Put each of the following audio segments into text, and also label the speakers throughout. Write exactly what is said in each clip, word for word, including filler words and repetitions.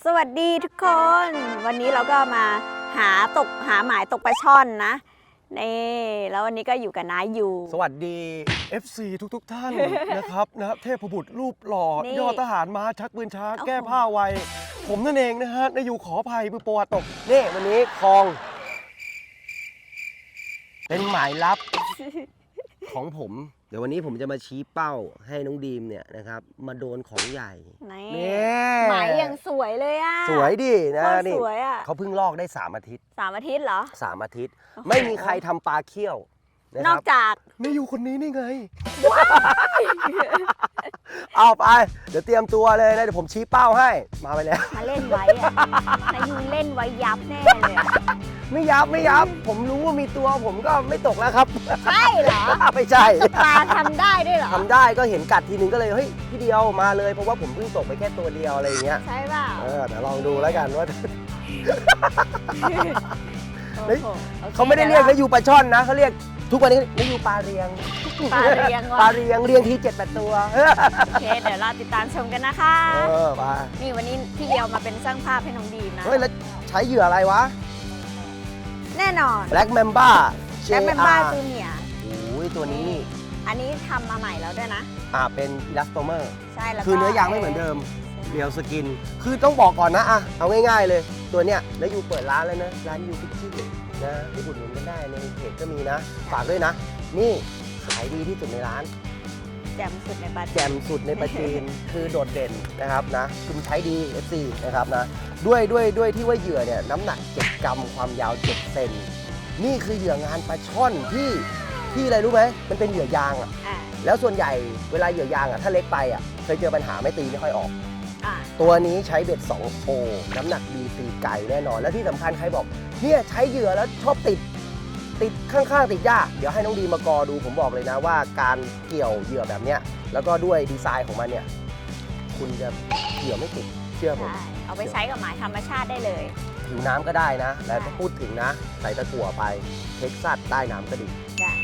Speaker 1: สวัสดีทุกคน วันนี้เราก็มาหาตกหาหมายตกปลาช่อนนะนี่แล้ววันนี้ก็อยู่กับน้าอยู่
Speaker 2: สวัสดี เอฟ ซี ทุกทุกท่าน นะครับนะเทพบุตรรูปหล่อยอดทหารม้าชักปืนช้าแก้ผ้าไวผมนั่นเองนะฮะนายอยู่ขออภัยมือโปรตกนี่วันนี้คลอง เป็นหมายลับ ของผมเดี๋ยววันนี้ผมจะมาชี้เป้าให้น้องดีมเนี่ยนะครับมาโดนของใหญ่
Speaker 1: นี่หมายยังสวยเลยอ่ะ
Speaker 2: สวยดินะนี่เขาเพิ่งลอกได้สามอาทิตย์
Speaker 1: สามอาทิตย์เหรอ
Speaker 2: สามอาทิตย์ไม่มีใครทำปลาเคี่ยวน
Speaker 1: อกจาก
Speaker 2: นายอยู่คนนี้นี่ไงเอาไปเดี๋ยวเตรียมตัวเลยนะเดี๋ยวผมชี้เป้าให้มาไปแล้ว
Speaker 1: มาเล่นไว้อะนายยูเล่นไว้ยับแน่เลย
Speaker 2: ไม่ยับไม่ยับผมรู้ว่ามีตัวผมก็ไม่ตกแล้วครับ
Speaker 1: ใช่เหรอ
Speaker 2: ไม่ใช่
Speaker 1: ปลาทำได้ด้วยเหรอ
Speaker 2: ทำได้ก็เห็นกัดทีนึงก็เลยเฮ้ยพี่เดียวมาเลยเพราะว่าผมเพิ่งตกไปแค่ตัวเดียวอะไรอย่างเงี้ย
Speaker 1: ใช่ป่ะ
Speaker 2: เออเดี๋ยวลองดูแล้วกันว่าเขาไม่ได้เรียกนายยูปลาช่อนนะเขาเรียกทุกวันนี้นายยูปลาเรียง
Speaker 1: ปลาเรียง
Speaker 2: ปลาเรียงเรียงทีเจ็ดแปดตัว
Speaker 1: โอเคเดี๋ยวเราติดตามชมกันนะคะ
Speaker 2: เออไป
Speaker 1: นี่วันนี้พี่เดียวมาเป็นช่างภาพให้น้องดีมนะ
Speaker 2: เฮ้ยแล้วใช้เหยื่ออะไรวะ
Speaker 1: แน่นอน
Speaker 2: Black Mamba
Speaker 1: Black Mamba ตัวเนี่ย
Speaker 2: โอ้ยตัวนี้นี่
Speaker 1: อันนี้ทำมาใหม่แล้วด้วยนะ
Speaker 2: อ่าเป็นอิลาสโตเมอร์
Speaker 1: ใช่แล้ว
Speaker 2: คือเนื้อยางไม่เหมือนเดิมเรียวสกินคือต้องบอกก่อนนะอ่ะเอาง่ายๆเลยตัวเนี้ยแล้วยูเปิดร้านแล้วนะร้านยูฟิชชิ่งนะไปอุดหนุนกันได้ในเพจก็มีนะฝากด้วยนะนี่ขายดีที่สุดในร้าน
Speaker 1: แจ่มสุดในปลา
Speaker 2: แจ่มสุดในปลาจีนคือโดดเด่นนะครับนะคุณใช้ดี เอฟ ซี นะครับนะด้วยด้วยด้วยที่ว่าเหยื่อเนี่ยน้ำหนักเจ็ดกรัมความยาวเจ็ดเซนนี่คือเหยื่องานปลาช่อนที่ที่อะไรรู้ไหมมันเป็นเหยื่อยางอ่ะแล้วส่วนใหญ่เวลาเหยื่อยางอ่ะถ้าเล็กไปอ่ะเคยเจอปัญหาไม่ตีไม่ค่อยออกตัวนี้ใช้เบ็ดสองโอน้ำหนักดีตีไก่แน่นอนและที่สำคัญใครบอกเนี่ยใช้เหยื่อแล้วชอบติดติดข้างๆติดยากเดี๋ยวให้น้องดีมากอดูผมบอกเลยนะว่าการเกี่ยวเหยื่อแบบเนี้ยแล้วก็ด้วยดีไซน์ของมันเนี่ยคุณจะเหยื่อไม่ติดเชื่อผม
Speaker 1: เอาไปใช้กับหมายธรรมชาติได้เลย
Speaker 2: ผิวน้ำก็ได้นะแล้วถ้าพูดถึงนะใส่ตะกั่วไปเท็กซัสใต้น้ำก็ดี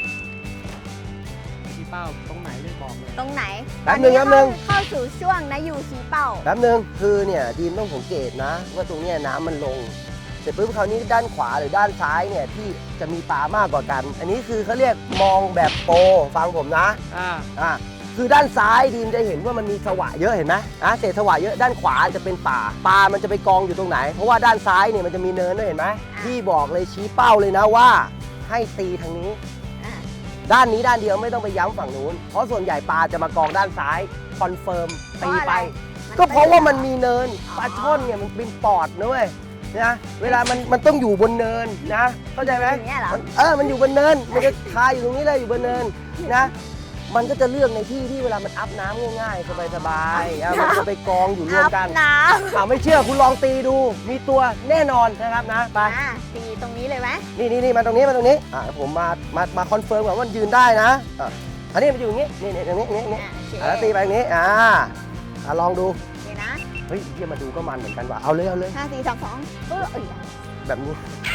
Speaker 3: ชี้เป้าตรงไหนเลยบอกเลย
Speaker 1: ตรงไหน
Speaker 2: แป๊บนึงแป๊บนึง
Speaker 1: เข้าสู่ช่วงนะยูชี้เป้า
Speaker 2: แป๊บนึงคือเนี่ยดีมต้องสังเกตนะว่าตรงเนี้ยน้ำมันลงเสร็จปุ๊บคราวนี้ด้านขวาหรือด้านซ้ายเนี่ยที่จะมีปลามากกว่ากันอันนี้คือเขาเรียกมองแบบโปรฟังผมนะอ่าอ่าคือด้านซ้ายดีมจะเห็นว่ามันมีสวะเยอะเห็นไหมอ่ะเศษสวะเยอะด้านขวาจะเป็นป่าปลามันจะไปกองอยู่ตรงไหนเพราะว่าด้านซ้ายเนี่ยมันจะมีเนินด้วยเห็นไหมพี่บอกเลยชี้เป้าเลยนะว่าให้ตีทางนี้ด้านนี้ด้านเดียวไม่ต้องไปย้ำฝั่งนู้นเพราะส่วนใหญ่ปลาจะมากองด้านซ้ายคอนเฟิร์มตีไปก็เพราะว่ามันมีเนินปลาช่อนเนี่ยมันเป็นปอดนะเว้ยนะเวลามันมันต้องอยู่บนเนินนะเข้าใจไหมเออมันอยู่บนเนินมันจะคาอยู่ตรงนี้เลยอยู่บนเนินนะมันก็จะเลือกในที่ที่เวลามันอัพน้ำง่ายๆสบายๆมันจะไปกองอยู่รวมกัน
Speaker 1: น้ำ
Speaker 2: ถามไม่เชื่อคุณลองตีดูมีตัวแน่นอนนะครับนะไป
Speaker 1: ตีตรงนี้เลยไหม
Speaker 2: นี่นี่นี่มาตรงนี้มาตรงนี้อ่าผมมามามาคอนเฟิร์มก่อนว่ามันยืนได้นะอ่ะอันนี้มันอยู่อย่างนี้นี่นี่ตรงนี้นี่นี่แล้วตีไปอย่างนี้อ่าลองดูเฮ้ยเยี่ยมาดูก็มันเหมือนกันว่ะเอาเลยเอาเลย
Speaker 1: ห้าสี่สามสองเออ
Speaker 2: แบบนี้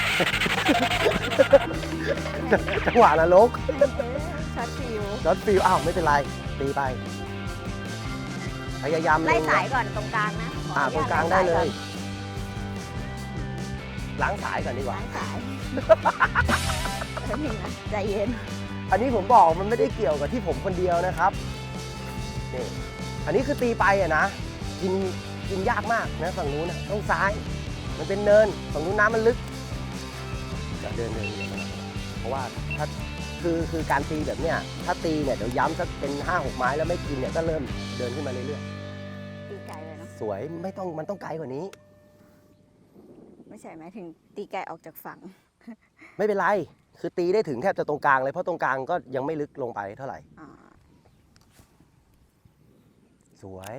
Speaker 2: จังหวะนรก
Speaker 1: ช็อตฟิว
Speaker 2: ช็อตฟิวอ้าวไม่เป็นไรตีไปพยายาม
Speaker 1: ไล่สายก่อนตรงกลางนะ
Speaker 2: อ่าตรงกลางได้เลยล้างสายก่อนดีกว่า
Speaker 1: ล้างสายแป๊บนึงนะใจเย็น
Speaker 2: อันนี้ผมบอกมันไม่ได้เกี่ยวกับที่ผมคนเดียวนะครับนี่อันนี้คือตีไปอะนะกินกินยากมากนะฝั่งนู้นนะต้องซ้ายมันเป็นเนินฝั่งนู้นน้ำมันลึกจะเดินเดินเพราะว่าถ้าคือคือการตีแบบเนี้ยถ้าตีเนี่ยเดี๋ยวย้ำสักเป็นห้าหกไม้แล้วไม่กินเนี่ยก็เริ่มเดินขึ้นมาเรื่อย
Speaker 1: ๆตีไกลเลยเนาะ
Speaker 2: สวยไม่ต้องมันต้องไกลกว่านี้
Speaker 1: ไม่ใช่ไหมถึงตีไกลออกจากฝั่ง
Speaker 2: ไม่เป็นไรคือตีได้ถึงแทบจะตรงกลางเลยเพราะตรงกลางก็ยังไม่ลึกลงไปเท่าไหร่สวย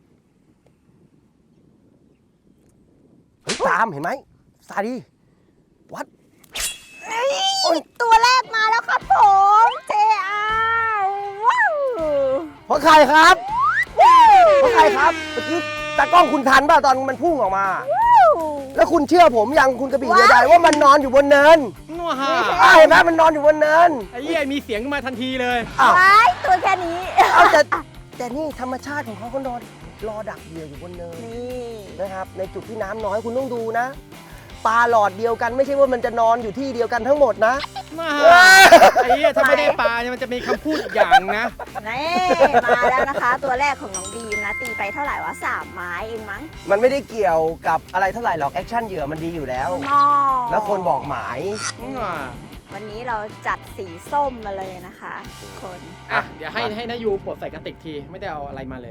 Speaker 2: เฮ้ยตามเห็นไหมซาดีวัด
Speaker 1: ตัวแรกมาแล้วครับผมเจอาว้าว
Speaker 2: เพราะใครครับเพราะใครครับเมื่อกี้ตากล้องคุณทันป่ะตอนมันพุ่งออกมาแล้วคุณเชื่อผมยังคุณกระบี่เรือใดว่ามันนอนอยู่บนเนิน
Speaker 3: นัวฮะ
Speaker 2: เห็นไหมมันนอนอยู่บนเนิน
Speaker 3: ไอ้เหี้ยมีเสียงขึ้นมาทันทีเลย
Speaker 1: อ้าวตัวแค่นี้
Speaker 2: เอาแต่แต่นี่ธรรมชาติของเขาก็นอนรอดักเหยื่ออยู่บนเนิน
Speaker 1: นี่
Speaker 2: นะครับในจุดที่น้ำน้อยคุณต้องดูนะปลาหลอดเดียวกันไม่ใช่ว่ามันจะนอนอยู่ที่เดียวกันทั้งหมดนะ
Speaker 3: มาไอ้เหี้ยถ้าไม่ได้ปลาเนี่ยมันจะมีคำพูดอีกอย่างนะ
Speaker 1: นี่มาแล้วนะคะ ตัวแรกของน้องบีมนะ ตีไปเท่าไหร่วะสามไม้เองมั้ง
Speaker 2: มันไม่ได้เกี่ยวกับอะไรเท่าไหร่หรอกแอคชั่นเหยื่อมันดีอยู่แล้ว
Speaker 1: นอ
Speaker 2: แล้วคนบอกหมาย
Speaker 1: วันนี้เราจัดสีส้มมาเลยนะคะทุกคน
Speaker 3: อ่ะเดี๋ยวให้ให้นายูปลดใส่กระติกทีไม่ได้เอาอะไรมาเลย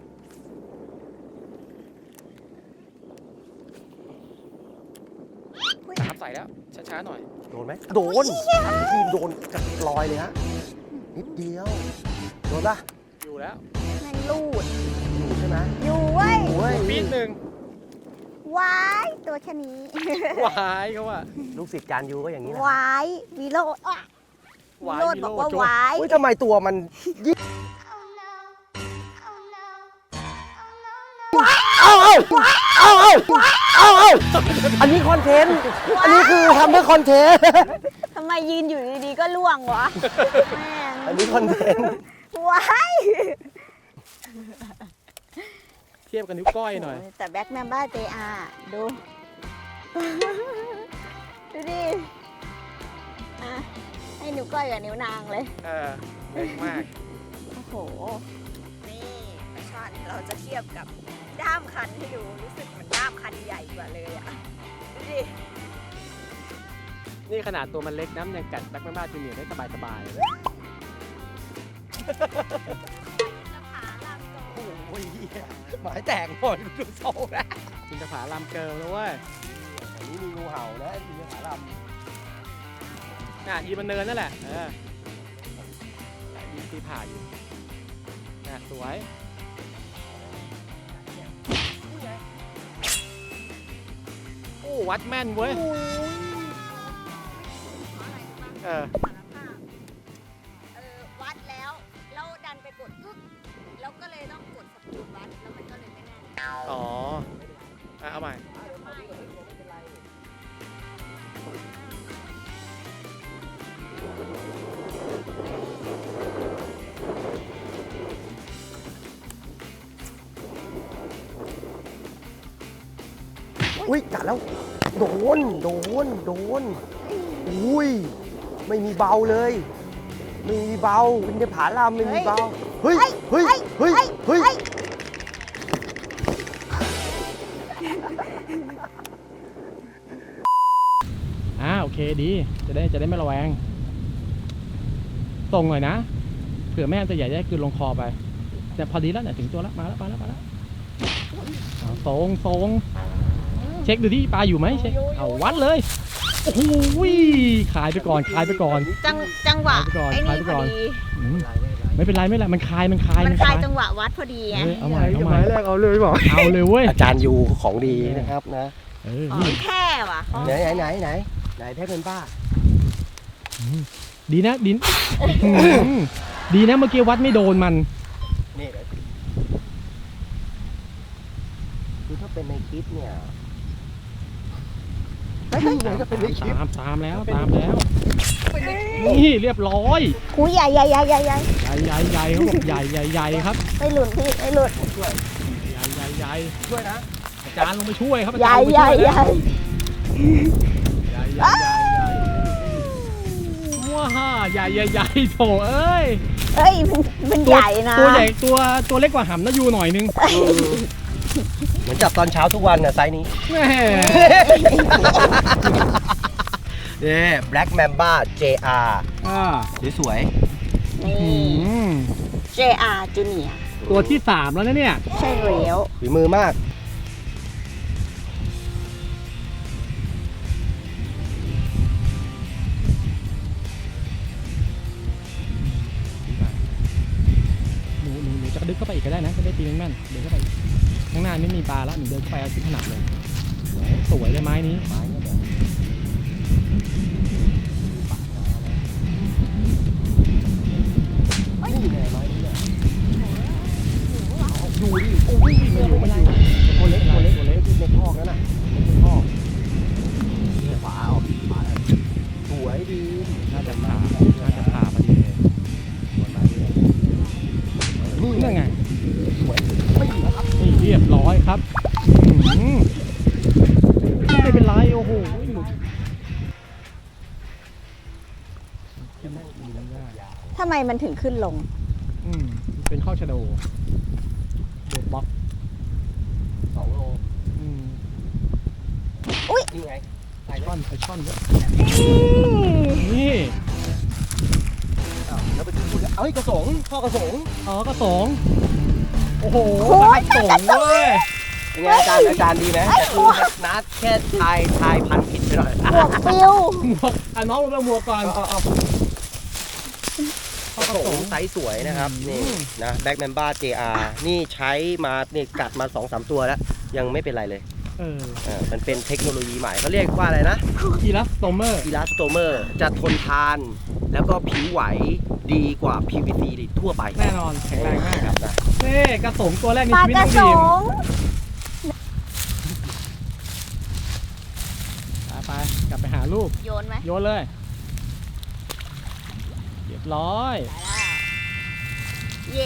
Speaker 3: น้ำใส่แล้วช้าๆหน่อย
Speaker 2: โดนไหมโดนทีมโดนกระลอยเลยฮะนิดเดียวโดนปะ
Speaker 3: อยู่แล้ว
Speaker 1: แม่งลูด
Speaker 2: อยู่ใช่ไหม
Speaker 1: อยู่เว้ย
Speaker 2: โอ้ย
Speaker 3: ปีดหนึ่ง
Speaker 1: ว้ายตัวแค่นี้
Speaker 3: วายเขาว่า
Speaker 2: ลูกศิษย์จานยูก็อย่างนี้นะ
Speaker 1: ว้ายวีโรดอ่ะวีโรดบอกว่าว้าย
Speaker 2: อุ้ยทำไมตัวมันยิ่งเอาเอาเอาเอาเอาเอาอันนี้คอนเทนต์อันนี้คือทำเพื่อคอนเทนต์
Speaker 1: ทำไมยืนอยู่ดีๆก็ล่วงวะแม่ง
Speaker 2: อันนี้คอนเทนต์
Speaker 1: ว้าย
Speaker 3: เทียบกับนิ้วก้อยหน่อย
Speaker 1: แต่แบ็คแมมบ้าเจอาดู ดูดิอ่ะให้นิ้วก้อยกับนิ้วนางเลย
Speaker 3: เออเล็กมาก
Speaker 1: โอ้โห นี่ปลาช่อนเราจะเทียบกับด้ามคันให้ดู รู้สึกเหมือนด้ามคันใหญ่กว่าเลยอ่ะ ดูดิ
Speaker 3: นี่ขนาดตัวมันเล็กน้ำยังกัดแบ็คแมนบ้าจูเนียร์ได้สบายๆเลย
Speaker 2: โอ้ยหมายแตกหมดดูโซ่แล้ว
Speaker 3: จินตผาลามเกิลนะเว้ย
Speaker 2: อันนี้มีงูเห่านะมีงูหาล
Speaker 3: น่ะยีมันเนินนั่นแหละ เออยีตีผ่าอยู่น่ะสวย โอ้ วัดแม่นเว้ย เออ
Speaker 1: เออวัดแล้วแล้วดันไปกดอึ๊กแล้วก็เลยต้องกดสปีดวัดแล้วมันก็เลยไม่แน่น
Speaker 3: อ๋ออ่ะเอาใหม่
Speaker 2: อุ้ยกัดแล้ว โดน โดน โดน อุ้ย ไม่มีเบาเลย ไม่มีเบาเป็นผาลามไม่มีเบา เฮ้ย เฮ้ย เฮ้ย เฮ้ย
Speaker 3: อ่าโอเคดี จะได้จะได้ไม่ระแวงตรงหน่อยนะ เผื่อแม่จะใหญ่ได้คือลงคอไปแต่พอดีแล้วเนี่ยถึงตัวแล้วมาแล้วมาแล้วมาแล้วเอาตรงตรงเช็คดูที่ปลาอยู่ไหมเช็คเอาวัดเลยโอ้โหขายไปก่อนขายไปก่อน
Speaker 1: จังจังหวะ
Speaker 3: ไปก่อน
Speaker 1: ไอ้
Speaker 3: ไป
Speaker 1: นี่
Speaker 3: ก่
Speaker 1: พ
Speaker 3: อ
Speaker 1: อน ดี
Speaker 3: อืมไม่เป็นไรไม่เป็นไรมันคลายมันคลาย
Speaker 1: มันคลายจังหวะวัดพอดีไง
Speaker 3: เออเอาใหม่เอาใหม่
Speaker 2: แรกเอาเลยบอก
Speaker 3: เอาเลยเว้ย
Speaker 2: อาจารย์ยูของดีนะครับนะ
Speaker 3: เออ
Speaker 1: อ๋อ
Speaker 3: นี่
Speaker 1: แค่ว่ะ
Speaker 2: ไหนไหนไหนไหนไหนแพ้เป็นป้า
Speaker 3: อืมดีนะดินอืมดีนะเมื่อกี้วัดไม่โดนมัน
Speaker 2: นี่คือถ้าเป็นในคลิปเนี่ยไม่ใช่ไหนจะเป็นในคลิป
Speaker 3: ตามตามแล้วตามแล้วนี่เรียบร้อย
Speaker 1: หูใหญ่ใหญ่ใหญ่ใหญ่ใหญ่
Speaker 3: ใหญ่ใหญ่ใหญ่เขาบอกใหญ่ใหญ่ใหญ่ครับ
Speaker 1: ไม่หลุดพี่ไม่หลุด
Speaker 2: ช่วย
Speaker 3: ใหญ่ใหญ่ใหญ่
Speaker 2: ช่วยนะ
Speaker 3: อาจารย์ลงไปช่วยครับอา
Speaker 1: ให
Speaker 3: จาร
Speaker 1: ญ่
Speaker 3: ย์ลงไป
Speaker 1: ใหญ่
Speaker 3: ช่วย
Speaker 1: ใหญ่
Speaker 3: ใหญ่ใหญ่ใหญ่ใหญ่ว้าใหญ่ใหญ่ใหญ่โถเอ้ย
Speaker 1: เอ้ยมันมัน
Speaker 3: ตัว
Speaker 1: ใหญ่นะ
Speaker 3: ตัวใหญ่ตัวตัวเล็กกว่าหำนะยูหน่อยนึง
Speaker 2: เหมือนจับตอนเช้าทุกวันน่ะไซส์นี้
Speaker 3: แม่
Speaker 2: เนี่ย Black Mamba เจ อาร์
Speaker 3: อ่า
Speaker 2: สวย
Speaker 1: นี่
Speaker 3: อืม
Speaker 1: เจ อาร์ Junior
Speaker 3: ตัวที่สามแล้วนะเนี่ย
Speaker 1: ใช่แล้ว
Speaker 2: ๆฝีมือมาก
Speaker 3: หนูหนูหนูจะกระดึ๊บเข้าไปอีกก็ได้นะจะได้ตีแม่นๆเดินเข้าไปอีกข้างหน้าไม่มีปลาแล้วหนูเดินเข้าไปเอาที่ถนัดเลยสวยเลยไม้นี้
Speaker 2: นี่ไงไม้นี่แหละดูดิโอ้ยไม่อยู่ไม่อยู่ตัวเล็กตัวเล็กตัวเล็กในคอกนั่นน่ะในคอกเนี่ยขวาออกขวาสวยดี
Speaker 3: น่าจะผ่าน่าจะผ่าพอดีเลย
Speaker 2: นี่
Speaker 3: นั่นไง
Speaker 2: สวยไม่อยู่ครับโอ้
Speaker 3: ขึ้นได้ดีไม่ได้
Speaker 1: ทำไมมันถึงขึ้นลง
Speaker 3: อืมเป็นข้อชะโดโดดบล็อก
Speaker 2: สองโล
Speaker 3: อืม
Speaker 2: นี่ไง
Speaker 3: ไอช่อนไอช่อนด้วยนี่
Speaker 2: อ้าวแล้วไปดูดูเอ้ยกระสงพ่อกระสง
Speaker 3: อ๋อกระสงโอ้โห
Speaker 1: โอ้ย
Speaker 3: กระสงเว้ย
Speaker 2: เป็นไงอาจารย์อาจารย์ดีไหมแต่คือนัดแค่ทายทายพันผิดไปหน่อย
Speaker 1: หมวกปิว
Speaker 3: หมวกอ่ะน้องลงหมวกก่อน
Speaker 2: เอาเอากระสงไซส์สวยนะครับ นี่นะแบ็กแมนบ้า เจ อาร์ นี่ใช้มาเนี่ยกัดมา สองสาม ตัวแล้ว ยังไม่เป็นไรเลย
Speaker 3: เออ
Speaker 2: เออมันเป็นเทคโนโลยีใหม่เขาเรียกว่าอะไรนะ
Speaker 3: อีลัสโตเมอร์
Speaker 2: อีลาสโตเมอร์จะทนทาน แล้วก็ผิวไหวดีกว่า พี วี ซี ทั่วไป
Speaker 3: แน่นอนแข็งแรงมาก
Speaker 2: ครับนะ
Speaker 3: เน่กระสงตัวแรกใน
Speaker 1: ปลา
Speaker 3: ชีวิต
Speaker 1: ก
Speaker 3: น้
Speaker 1: ระ
Speaker 3: อง
Speaker 1: ส
Speaker 3: บีม
Speaker 1: ง
Speaker 3: ไปไปกลับไปหาลูก
Speaker 1: โยนไหม
Speaker 3: โยนเลยเรียบร้อย
Speaker 1: เย่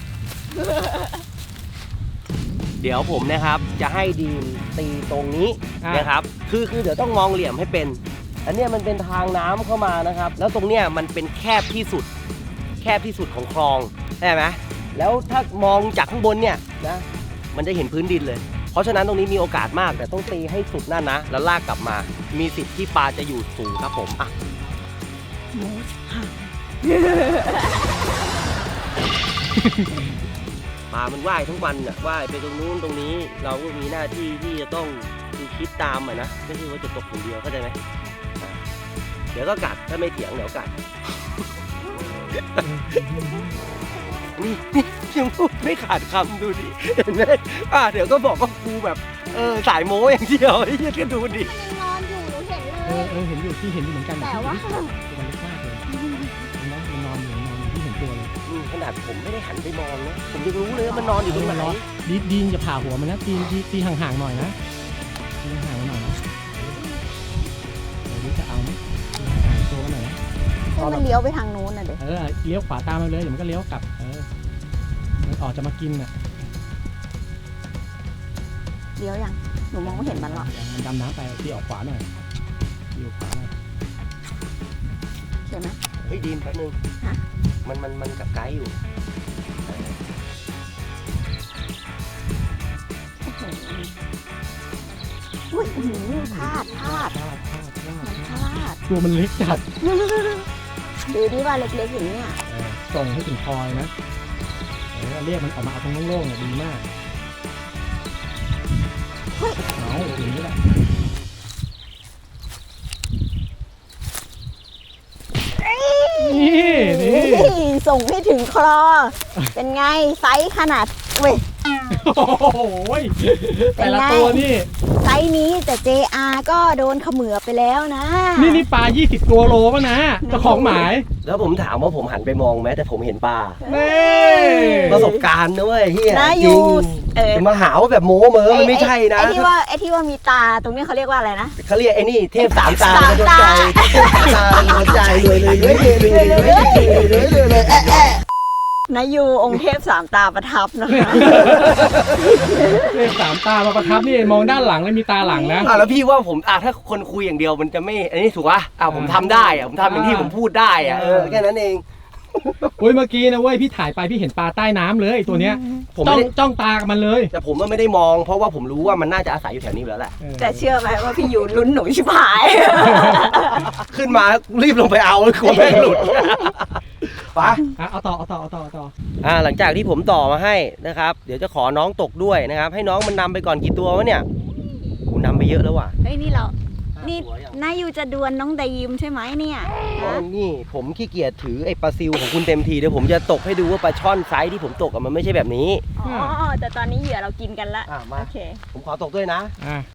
Speaker 2: เดี๋ยวผมนะครับจะให้ดีมตีตรงนี้
Speaker 3: อ่ะ
Speaker 2: นะครับ คือคือเดี๋ยวต้องมองเหลี่ยมให้เป็น อันเนี้ยมันเป็นทางน้ำเข้ามานะครับ แล้วตรงเนี้ยมันเป็นแคบที่สุด แคบที่สุดของคลองใช่ไหมแล้วถ้ามองจากข้างบนเนี่ยนะ มันจะเห็นพื้นดินเลย เพราะฉะนั้นตรงนี้มีโอกาสมาก แต่ต้องตีให้สุดนั่นนะ แล้วลากกลับมา มีสิทธิ์ที่ปลาจะอยู่สูงครับผม อ่ะ ปลามันว่ายทั้งวันน่ะว่ายไปตรงนู้นตรงนี้ เราก็มีหน้าที่ที่จะต้องดูคิดตามอ่ะนะ ไม่ใช่ว่าจะตกอย่างเดียวเข้าใจไหมอ่ะเดี๋ยวก็กัด ถ้าไม่เถียงเดี๋ยวกัด นี่นี่ยังพูดไม่ขาดคำดูดิเห็นไหมอ่ะเดี๋ยวก็บอกว่ากูแบบเออสายโม้อย่างเดียวไอ้เหี้ยก็ดูดิ
Speaker 1: นอนอยู่หนูเห็นเล
Speaker 3: เออย เออเห็นอยู่ที่เห็นอยู่เหมือนกัน
Speaker 1: แต่ว่า
Speaker 3: ตัวมันเล็กมากเลยมันนอนมันนอนอยู่นอนอยู่ที่เห็นตัวเลย
Speaker 2: นี่ขนาดผมไม่ได้หันไปมองนะผมยังรู้เลยว่ามันนอนอยู่ตรงไหน
Speaker 3: ดีดีนจะผ่าหัวมันนะตีตีตีห่างๆหน่อยนะตีห่างๆหน่อยนะเดี๋ยวนี้จะเอาไหมตีห่างๆตัวมันหน่อยนะ
Speaker 1: ให้มันเลี้ยวไปทางนู้นน่ะเด็ก
Speaker 3: เออเลี้ยวขวาตามมาเลยเดี๋ยวมันก็เลี้ยวกลับเออมันออกจะมากินน่ะ
Speaker 1: เลี้ยวยัง หนูมองไม่เห็นมันหรอก
Speaker 3: มันดำน้ำไปที่ออกขวาหน่อยที่ออกขวาหน่อย
Speaker 1: เห็นไหม
Speaker 2: เฮ้ยดีมแป๊บนึง
Speaker 1: ฮะ
Speaker 2: มันมันมันกับไกด์อยู่
Speaker 1: อุ้ยอื้อหือพลาดพลาด
Speaker 3: พลาดพลาดพลาด
Speaker 1: มันพลาด
Speaker 3: ตัวมันเล็กจัด
Speaker 1: ดูดิว่าเล็กๆอย่างเนี้ย
Speaker 3: เออส่งให้ถึงคอยนะเออเรียกมันออกมาเอาตรงโล่งๆเนี่ยดีมากเอาอย่างนี้แหละ นี่นี่
Speaker 1: นี่ส่งให้ถึงคลอ เป็นไงไซส์ขนาดเว้ย
Speaker 3: โอ้โหยแต่ละตัวนี่
Speaker 1: ไซส์นี้แต่ เจ อาร์ ก็โดนเขมือบไปแล้วนะ
Speaker 3: นี่นี่ปลายี่สิบตัวโลป่ะนะเจ้าของหมาย
Speaker 2: แล้วผมถามว่าผมหันไปมองไหมแต่ผมเห็นปลา
Speaker 3: นี่
Speaker 2: ประสบการณ์นะเว้ยเฮีย
Speaker 1: นะ
Speaker 2: จ
Speaker 1: ยู
Speaker 2: ริง
Speaker 1: เออ
Speaker 2: จะมาหาว่าแบบโม้เมอมันไม่ใช่นะ
Speaker 1: ไอ้ที่ว่าไอ้ที่ว่ามีตาตรงนี้เขาเรียกว่าอะไรนะ
Speaker 2: เขาเรียกไอ้นี่เทพสามตา
Speaker 1: สาม
Speaker 2: โดน
Speaker 1: ตา
Speaker 2: ใจเทพสามตาโดนใจเลยเลยเลยเลยเลยเลยเลยเลยเลยแอะแอะ
Speaker 1: นายูองค์เทพสามตาประทับนะคะ
Speaker 3: เลขสามตามาประทับนี่มองด้านหลังแล้วมีตาหลังนะ
Speaker 2: อ่ะแล้วพี่ว่าผมอ่ะถ้าคนคุยอย่างเดียวมันจะไม่อันนี้ถูกป่ะอ่ะผมทำได้อ่ะผมทำอย่างที่ผมพูดได้อ่ะเออแค่นั้นเอง
Speaker 3: โอ้ยเมื่อกี้นะเว้ยพี่ถ่ายไปพี่เห็นปลาใต้น้ำเลยไอ้ตัวเนี้ย
Speaker 2: ผม
Speaker 3: จ้
Speaker 2: ไม่
Speaker 3: อง
Speaker 2: ได้
Speaker 3: จ้องตากับมันเลย
Speaker 2: แต่ผมก็ไม่ได้มอง เพราะว่าผมรู้ว่ามันน่าจะอาศัยอยู่แถวนี้อยู่แล้วแหละ
Speaker 1: แต่เชื่อไหมว่าพี่ยูลุ้นหนูชิบหาย
Speaker 2: ขึ้นมารีบลงไปเอากลัวแม่งหลุดไป
Speaker 3: อ่ะเอาต่อเอาต่อเอาต่อเอาต่อ
Speaker 2: อ่าหลังจากที่ผมต่อมาให้นะครับ เดี๋ยวจะขอน้องตกด้วยนะครับ ให้น้องมันนำไปก่อนกี่ตัววะเนี่ยกูนำไปเยอะแล้วว่ะ
Speaker 1: เฮ้ยนี่เรา นี่
Speaker 2: ห้าตัวยัง
Speaker 1: นายูจะดวลน้องไดยิมใช่ไหมเนี่ย
Speaker 2: อ๋อ
Speaker 1: ฮะ
Speaker 2: นี่ผมขี้เกียจถือไอ้ปลาซิวของคุณเต็มทีเดี๋ยวผมจะตกให้ดูว่าปลาช่อนไซส์ที่ผมตกอะมันไม่ใช่แบบนี้
Speaker 1: อ๋อ แต่ตอนนี้เหยื่อเรากินกันละ
Speaker 2: อ่ะมา
Speaker 1: โอเค
Speaker 2: ผมขอตกด้วยนะ
Speaker 3: อ่ะ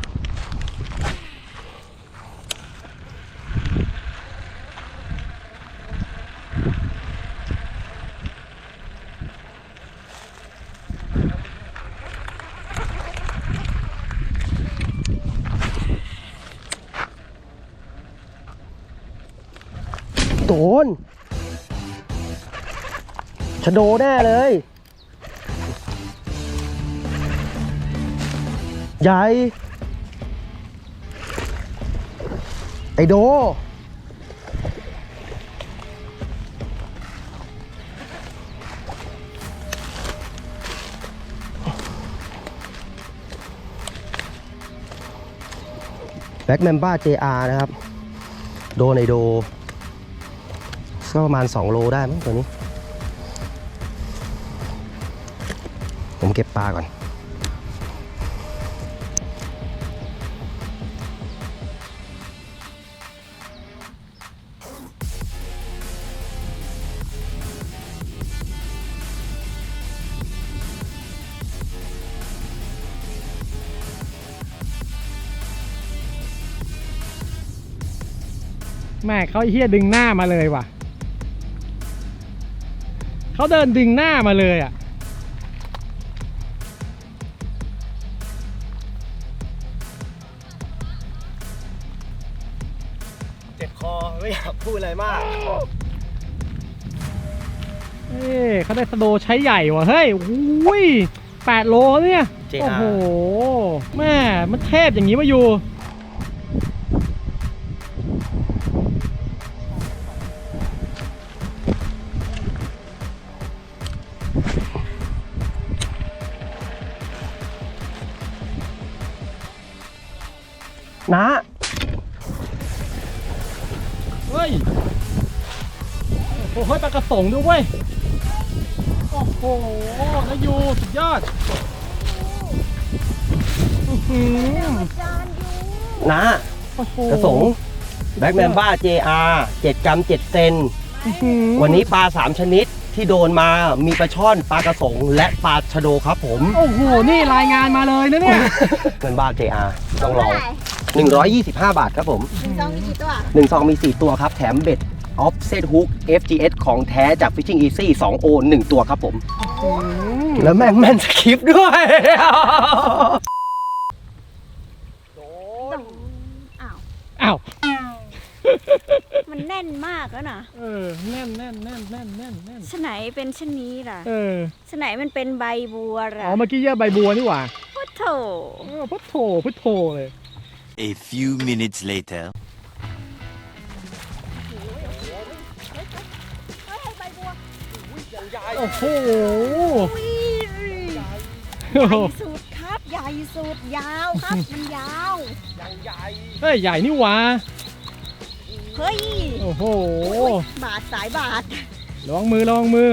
Speaker 2: โดนชะโดแน่เลย ใหญ่ไอโดแบ็กแมมบ้า เจ อาร์ นะครับโดนไอโดก็ประมาณสองโลได้มั้งตัวนี้ ผมเก็บปลาก่อน
Speaker 3: แม่เขาเฮี้ยดึงหน้ามาเลยว่ะเขาเดินดึงหน้ามาเลยอ่ะ
Speaker 2: เจ็บคอไม่อยากพูดอะไรมาก
Speaker 3: เอ้ยเขาได้สโดใช้ใหญ่ว่ะเฮ้ยอุ้ยแปดโลเนี่ย
Speaker 2: เจ
Speaker 3: โอ้
Speaker 2: อา
Speaker 3: โห
Speaker 2: ร์
Speaker 3: แม่มันเทพอย่างนี้มาอยู่
Speaker 2: นะ
Speaker 3: เฮ้ยโอ้โหปลากระสงด้วยเว้ยโอ้โหนายูสุดยอดอื้อหือ
Speaker 1: จานยู
Speaker 2: นะ
Speaker 3: โอ้โห
Speaker 2: กระสงแบ็กแมมบ้า เจ อาร์ เจ็ดกรัมเจ็ดเซน
Speaker 3: อื้อหือ
Speaker 2: วันนี้ปลาสามชนิดที่โดนมามีปลาช่อนปลากระสงและปลาชะโดครับผม
Speaker 3: โอ้โหนี่รายงานมาเลยนะเนี่ย
Speaker 2: แมมบ้า เจ อาร์ ต้องลองหนึ่งร้อยยี่สิบห้าบาทครับผม
Speaker 1: ซองมีกี่ตัว
Speaker 2: หนึ่งซองมีสี่ตัวครับแถมเบ็ด Offset Hook เอฟ จี เอส ของแท้จาก Fishing Easy สองโอ หนึ่งตัวครับผม แล้วแม่งแม่นสคริปต์ด้วย
Speaker 1: อ้าว
Speaker 3: อ้าว
Speaker 1: มันแน่นมากแล้วนะ
Speaker 3: เออแน่นแน่นแน่นแน่นแน่นแน่น
Speaker 1: ฉะไหนเป็นชะนี้ล่ะ
Speaker 3: เออ
Speaker 1: ฉะไหนมันเป็นใบบัว
Speaker 3: อ๋
Speaker 1: ล่ะ
Speaker 3: อเมื่อกี้เยอะใบบัวนี่หว่า
Speaker 1: พุทโธ
Speaker 3: เออพุทโธพุทโธเลย
Speaker 4: A few minutes later.
Speaker 1: เฮ้ยใบบัว
Speaker 3: โอ้โห
Speaker 1: อุ้ย
Speaker 3: โอ้
Speaker 1: ให
Speaker 3: โห
Speaker 1: ญ่สุดครับใหญ่สุดยาวครับ มันยาว
Speaker 3: เฮ้ยใหญ่นี่หว่า
Speaker 1: เฮ้ย
Speaker 3: โอ้โห
Speaker 1: บาทสายบาท
Speaker 3: ระวังมือระวังมือ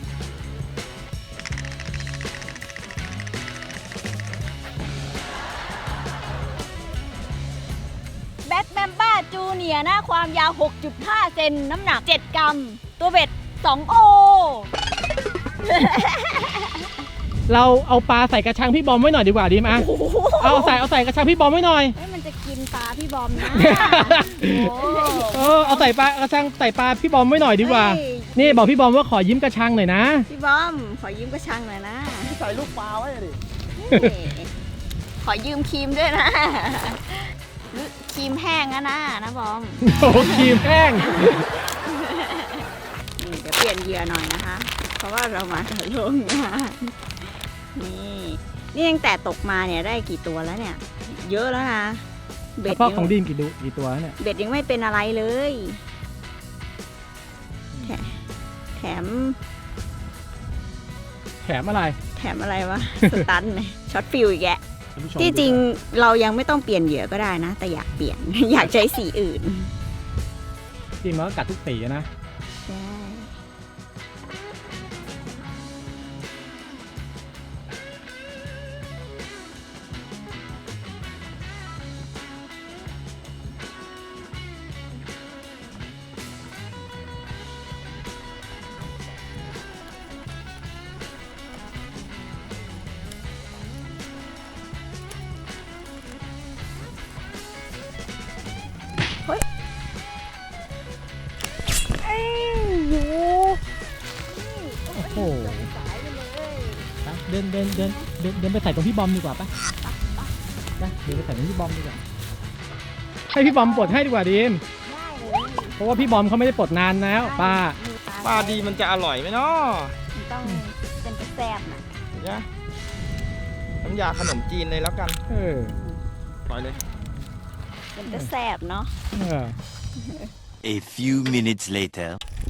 Speaker 1: แบ็คแมมบ้าจูเนียร์นะความยาว หกจุดห้า เซนน้ำหนัก เจ็ด กรัม ตัวเบ็ด สอง โอ
Speaker 3: เราเอาปลาใส่กระชังพี่บอมไว้หน่อยดีกว่าดีไหมเอาใส่เอาใส่กระชังพี่บอมไว้หน่อย
Speaker 1: เฮ้ยมันจะกินปลาพี่บอมนะโอ้
Speaker 3: เออเอาใส่ปลากระชังใส่ปลาพี่บอมไว้หน่อยดีกว่า
Speaker 1: เฮ้ย
Speaker 3: นี่บอกพี่บอมว่าขอยิ้มกระชังหน่อยนะ
Speaker 1: พี่บอม ขอยืมกระชังหน่อยนะ
Speaker 2: ใส่ลูกปลาไว้ดิ
Speaker 1: นี่ขอยืมครีมด้วยนะหรือครีมแห้งนะนะนะบอม
Speaker 3: โอ้โหครีมแห้ง
Speaker 1: นี่เดี๋ยวเปลี่ยนเหยื่อหน่อยนะคะ เพราะว่าเรามาถ่ายลงงานนี่นี่ตั้งแต่ตกมาเนี่ยได้กี่ตัวแล้วเนี่ย เยอะแล้วนะเบ็
Speaker 3: เฉ
Speaker 1: ด
Speaker 3: พาะ
Speaker 1: ยัง
Speaker 3: ของดีมกี่ดูกี่ตัวเนี่ย
Speaker 1: เบ็ดยังไม่เป็นอะไรเลยแถแถม
Speaker 3: แถมอะไร
Speaker 1: แถมอะไรวะ สตันเลยช็อตฟิลอีกแก
Speaker 3: ท่านผู้ชม
Speaker 1: ที่จริงเรายังไม่ต้องเปลี่ยนเหยื่อก็ได้นะ แต่อยากเปลี่ยน อยากใช้สีอื่น
Speaker 3: จริงมันก็กัดทุกสีอะนะ
Speaker 1: ใช่เอ้ยอยู่
Speaker 3: โอ้โหไปเดินเดินเดินเดินเดินไปใส่ตรงพี่บอมดีกว่าปะไปเดินไปใส่ตรงพี่บอมดีกว่าให้พี่บอมปลดให้ดีกว่าดีม
Speaker 1: ได้เลย
Speaker 3: เพราะว่าพี่บอมเขาไม่ได้ปลดนานแล้วป้า
Speaker 5: ปลาดีมันจะอร่อยไหมเนาะ
Speaker 1: มันต้องเป็นกระแซบนะ
Speaker 5: เนี่ยน้ำยาขนมจีนเลยแล้วกัน
Speaker 3: เออ
Speaker 5: ปล่อยเลย
Speaker 1: มันจะแสบเนาะ
Speaker 3: เออ
Speaker 4: A few minutes later.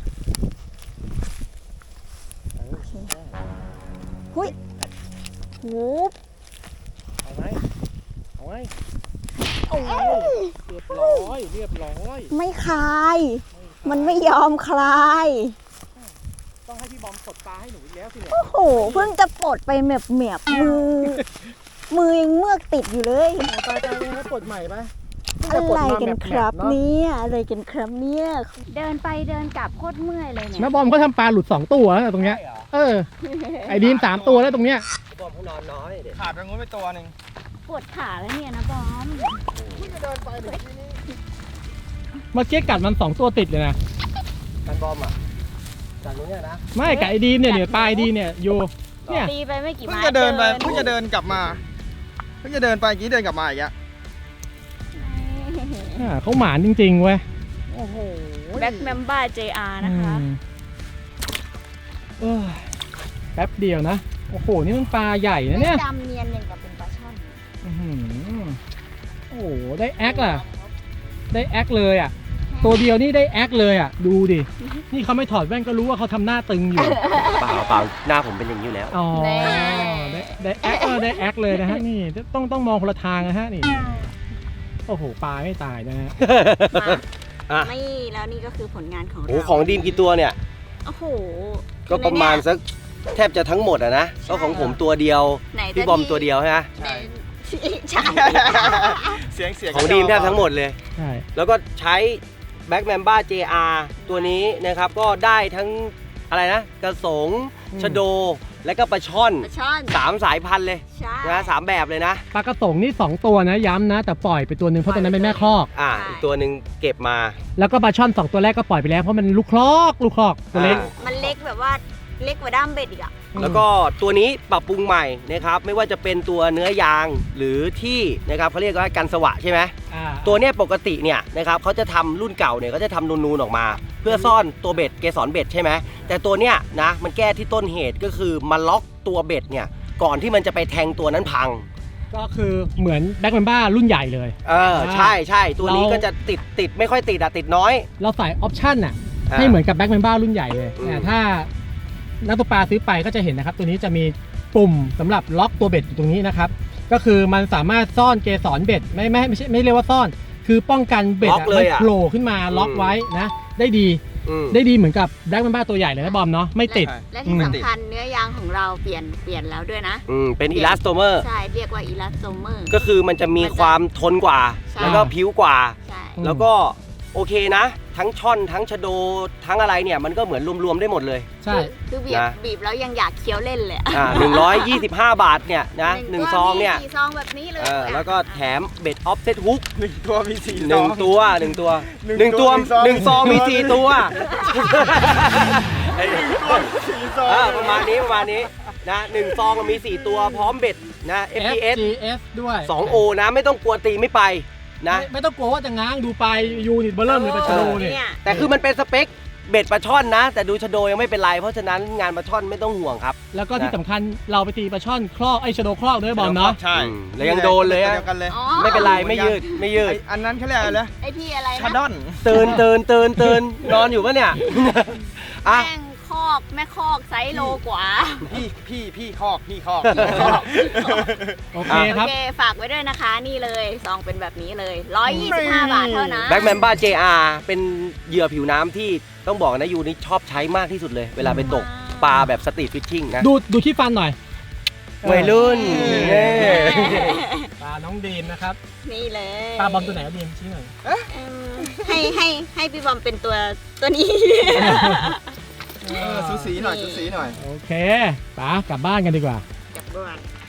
Speaker 1: หุยหู
Speaker 3: เอาไงเอาไง
Speaker 1: โอ้ย
Speaker 3: เรียบร้อยเรียบร้อย
Speaker 1: ไม่คลาย มันไม่ยอมคลาย
Speaker 3: ต้องให้พี่บอมกดปลาให้หนูอีกแล้วสิเนี่ย
Speaker 1: โอ้โห เพิ่งจะปลดไปเหมียบเหมียบมือ มือยังเมือกติดอยู่เลย
Speaker 3: ตายตายแล้วกดใหม่ปะ
Speaker 1: อะไรกันครับเนี่ยอะไรกันครับเนี่ยเดินไปเดินกลับโคตรเมื่อยเลยเนี่ย
Speaker 3: แม่บอมก็ทำปลาหลุดสองตัวแล้วตรงเนี้ย เออ ไอ้ดีมสามตัวแล้วตรงเนี้ย
Speaker 2: บอมเขานอนน้อยเด็ก
Speaker 5: ขาดไปงูไปตัวหนึ่ง
Speaker 1: ปวดขาแล้วเนี่ยนะบอม
Speaker 3: เมื่อกี้กัดมันสองตัวติดเลยนะ
Speaker 2: กันบอมอ่ะจากตรงเนี้ยนะ
Speaker 3: ไม่กับไอ้ดีมเนี่ยเนี่ยปลาไอ้ดีเนี่ยอยู่เนี่ย
Speaker 1: ตีไปไม่กี่
Speaker 5: เพิ่ง
Speaker 1: ไม้
Speaker 5: จะเดินไปเพิ่งจะเดินกลับมาเพิ่งจะเดินไปเมื่อกี้เดินกลับมาอีกอะ
Speaker 3: อ่าเขาหมานจริงๆเว้ย
Speaker 1: โอ้โหแบ็คแมมบ้า เจ อาร์ นะคะ
Speaker 3: อืมเอ้ยแป๊บเดียวนะ โอ้โห นี่มันปลาใหญ่นะเนี่ย
Speaker 1: ดำเนียนอย่างกับเป็นปลาช่อน
Speaker 3: อื้อหือโอ้โห ได้แอคอ่ะ ได้แอคเลยอ่ะ ตัวเดียวนี่ได้แอคเลยอ่ะ ดูดิ นี่เขาไม่ถอดแว่นก็รู้ว่าเขาทำหน้าตึงอยู่
Speaker 2: เปล่าเปล่าหน้าผมเป็นอย่างนี้อยู่แล้ว
Speaker 3: อ๋อ ได้ได้แอคเออได้แอคเลยนะฮะ นี่ต้องต้องมองคนละทางนะฮะนี่ โอ้โห ปลาไม่ตายนะฮะ
Speaker 2: อ่ะ
Speaker 1: ไม่แล้วนี่ก็คือผลงานของ
Speaker 2: โอ้
Speaker 1: เรา
Speaker 2: ของดีมกี่ตัวเนี่ย
Speaker 1: โอ้โห
Speaker 2: ก็ประมาณสักแทบจะทั้งหมดอะนะก็ของผมตัวเดียว
Speaker 1: ไหนจะ
Speaker 2: พี่บอมตัวเดียวใช่ไหม
Speaker 1: ไหนใช่
Speaker 5: เสียงเสียง
Speaker 2: ของดีมแทบทั้งหมดเลย
Speaker 3: ใช่
Speaker 2: แล้วก็ใช้ Black Mamba เจ อาร์ ตัวนี้นะครับก็ได้ทั้งอะไรนะกระสงชะโด และก็ปลาช่อน
Speaker 1: ปลาช่อน
Speaker 2: สามสายพันธุ์เลย
Speaker 1: ใช่
Speaker 2: นะสามแบบเลยนะ
Speaker 3: ปลากระสงนี่สองตัวนะย้ำนะ แต่ปล่อยไปตัวหนึ่งเพราะตัวนั้นเป็นแม่คอก
Speaker 2: อ่า
Speaker 1: ใช่
Speaker 2: อีกตัวหนึ่งเก็บมา
Speaker 3: แล้วก็ปลาช่อนสองตัวแรกก็ปล่อยไปแล้วเพราะมันลูกคลอกลูกคลอกตัวเล็ก
Speaker 2: อ่า
Speaker 1: มันเล็กแบบว่าเล็กกว่าด้ามเบ็ดอีกอ่ะ
Speaker 2: แล้วก็ตัวนี้ปรับปรุงใหม่นะครับไม่ว่าจะเป็นตัวเนื้อยางหรือที่นะครับเขาเรียกว่ากันสวะใช่ไหม
Speaker 3: อ่า
Speaker 2: ตัวเนี้ยปกติเนี่ยนะครับเขาจะทำรุ่นเก่าเนี่ยเขาจะทำนูนๆออกมา เพื่อซ่อนตัวเบ็ดเกสรเบ็ดใช่ไหมแต่ตัวเนี้ยนะมันแก้ที่ต้นเหตุก็คือมาล็อกตัวเบ็ดเนี่ยก่อนที่มันจะไปแทงตัวนั้นพัง
Speaker 3: ก็คือเหมือนแบ็คแมนบ้ารุ่นใหญ่เลย
Speaker 2: เออใช่ใช่ตัวนี้
Speaker 3: เรา
Speaker 2: ก็จะติดติดไม่ค่อยติดอะติดน้อย
Speaker 3: เราใส่ออปชั่นน่ะ
Speaker 2: อ่า
Speaker 3: ให้เหมือนกับแบ็คแมนบ้ารุ่นใหญ่เลย
Speaker 2: อืม
Speaker 3: แต่ถ้านักตกปลาซื้อไปก็จะเห็นนะครับ ตัวนี้จะมีปุ่มสำหรับล็อกตัวเบ็ดอยู่ตรงนี้นะครับ ก็คือมันสามารถซ่อนเกสรเบ็ดไม่ไม่ไม่ใช่ไม่เรียกว่าซ่อน คือป้องกันเบ็ด
Speaker 2: ล็อก
Speaker 3: อะ
Speaker 2: เล
Speaker 3: มัน
Speaker 2: ยอะ
Speaker 3: โผล่ขึ้นมาล็อก
Speaker 2: อืม
Speaker 3: ไว้นะได้ดี
Speaker 2: อืม
Speaker 3: ได้ดีเหมือนกับแบ็คแมนบ้าตัวใหญ่เลยนะบอมเนาะไม่ติด
Speaker 1: และที่สำคัญเนื้อยางของเราเปลี่ยนเปลี่ยนแล้วด้วยนะ
Speaker 2: อืมเป็นอีลาสโตเมอร์
Speaker 1: ใช่เรียกว่าอีลาสโตเมอร์
Speaker 2: ก็คือมันจะมีความทนกว่า
Speaker 1: ใช่
Speaker 2: แล้วก็ผิวกว่า
Speaker 1: ใช่
Speaker 3: อืม
Speaker 2: แล้วก็โอเคนะ ทั้งช่อนทั้งชะโดทั้งอะไรเนี่ยมันก็เหมือนรวมๆได้หมดเลย
Speaker 3: ใช่
Speaker 1: คือบีบ
Speaker 2: นะ
Speaker 1: บีบแล้วยังอยากเคี้ยวเล่นเลยอะ
Speaker 2: อ่าหนึ่งร้อยยี่สิบห้าบาทเนี่ยนะหนึ่งซองเนี่ย
Speaker 1: สี่ซองแบบนี้เลย
Speaker 2: เออแล้วก็แถมเบ็ดออฟเซตฮุก
Speaker 5: หนึ่งตัวมีสี่
Speaker 2: หนึ่ง
Speaker 5: ซอ
Speaker 2: ตัวหนึ่งตัว
Speaker 5: หนึ่ง
Speaker 2: หนึ่งตัว
Speaker 5: ตัว
Speaker 2: หนึ่งซองมีสี่ตัว
Speaker 5: สี่ซอง
Speaker 2: เออประมาณนี้ประมาณนี้นะหนึ่งซองมีสี่ตัวพร้อมเบ็ดนะ เอฟ พี เอส
Speaker 3: เอฟ จี เอส ด้วย
Speaker 2: สองโอนะไม่ต้องกลัวตีไม่ไปนะ
Speaker 3: ไม่ไม่ต้องกลัวว่าจะง้างดูไปยูนิตเบอร์เริ่มเลยปลาชะโดเนี่ย
Speaker 1: เนี่ย
Speaker 2: แต่คือมันเป็นสเปคเบ็ดปลาช่อนนะ แต่ดูชะโดยังไม่เป็นไร เพราะฉะนั้นงานปลาช่อนไม่ต้องห่วงครับ
Speaker 3: แล้วก็ที่สำคัญเราไปตีปลาช่อนคลอกไอ้ชะโดคลอกด้วยบอมเนาะ
Speaker 5: ใช่
Speaker 2: อืมแล้วยังโดนเลยอะ
Speaker 5: เดียวกันเลย
Speaker 1: อ๋อ
Speaker 2: ไม่เป็นไรไม่ยืดไม่ยื
Speaker 5: ไอ้
Speaker 2: ด
Speaker 5: อันนั้นเขาเรียกอะไรนะ
Speaker 1: ไอพี่อะไร
Speaker 5: ชา
Speaker 1: นะ
Speaker 5: ดอน
Speaker 2: เตือนเตือนเตือนเตือนนอนอยู่ปะเนี่ยอ่ะ
Speaker 1: แม่งคอกแม่คอกไซส์โลกว่า
Speaker 5: พี่พี่พี่คอกพี่คอก
Speaker 3: โอเค
Speaker 1: โอ
Speaker 3: ครับ
Speaker 1: เค ฝากไว้ด้วยนะคะนี่เลยซองเป็นแบบนี้เลยหนึ่งร้อยยี่สิบห้าบาทเท่านั้น
Speaker 2: แบ็กแมนบ้า เจ อาร์ เป็นเหยื่อผิวน้ำที่ต้องบอกนะยูนี่ชอบใช้มากที่สุดเลย เวลาไปตกปลาแบบสตรีทฟิชชิ่งนะ
Speaker 3: ดูดูที่ฟันหน่อย
Speaker 2: วัยรุ่น
Speaker 3: เออ
Speaker 2: เน่
Speaker 3: ปลาน้องดีมนะครับ
Speaker 1: นี่เลย
Speaker 3: ปลาบอมตัวไหนดีมชี้หน่อย
Speaker 1: เอิ่มให้ให้ให้พี่บอมเป็นตัวตัวนี้
Speaker 5: เออสูสีหน่อยสูสีหน่อย
Speaker 3: โอเคปลากลับบ้านกันดีกว่า
Speaker 1: จับบ้วน